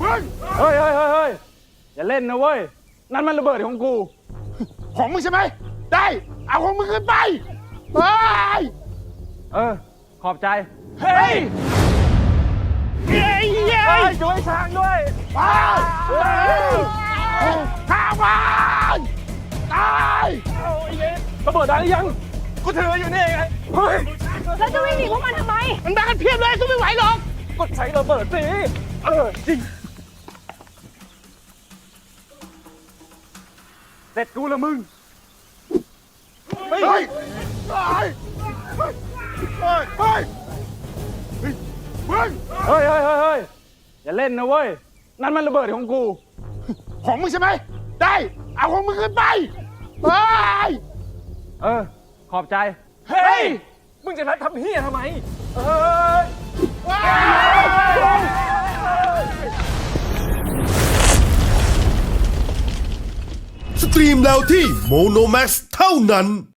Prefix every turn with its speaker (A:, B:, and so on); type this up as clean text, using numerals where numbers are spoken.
A: เฮ้ยอย่าเล่นนะเว้ยนั่นมันระเบิดของกู
B: ของมึงใช่ไหมได้เอาของมึงขึ้นไปไป
A: ขอบใจ
B: เฮ้ย
A: ช่วยช้างด้วย
B: ไปข้ามันตาย
A: ระเบิดได้หรือยังกูถืออยู่นี่ไงเฮ้ย
C: แล้วจะวิ่งหนีพวกมันทำไม
B: มันมากันเพียบเลยสู้ไม่ไหวหรอก
A: ก็ใช้ระเบิดสิจริงเสร็จกูละมึง
B: เฮ้ยตายเฮ้ย
A: อย่าเล่นนะเว้ยนั่นมันระเบิดของกู
B: ของมึงใช่ไหมได้เอาของมึงขึ้นไปไป
A: ขอบใจเฮ้ยมึงจะทำเฮียทำไม
D: สตรีมแล้วที่โมโนแม็กเท่านั้น